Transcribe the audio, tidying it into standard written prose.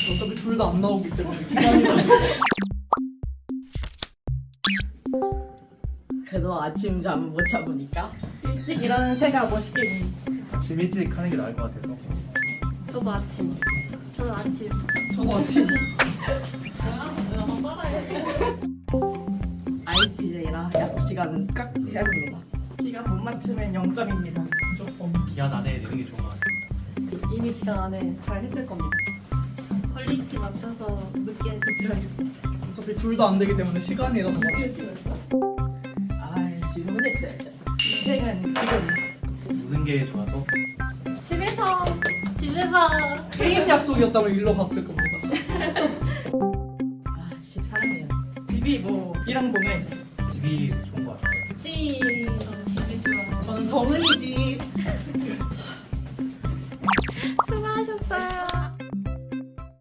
어차피 둘 다 안 나오기 때문에 기간이라도. 그래도 아침 잠 못 잡으니까 일찍 일하는 새가 멋있겠니? 아침 일찍 하는 게 나을 것 같아서. 저도 아침. 저는 아침. 저도 아침. ICJ라 약속 시간은 깍 해야 됩니다. 기간 못 맞추면 0점입니다. 무조건. 기한 안에 내는 게 좋은 것 같습니다. 이미 기간 안에 잘 했을 겁니다. 퀄리티 맞춰서 늦게 늦춰요. 어차피 둘 다 안 되기 때문에 시간이라도 맞춰. 아 지금 했어야죠. 인생은 지금. 노는 게 좋아서. 집에서 게임 약속이었다면 일로 갔을 겁니다. 아 집사람이에요. 집이 뭐 이랑 동네에서 집이 좋은 것 같아요. 집이 좋아. 저는 정은이 집.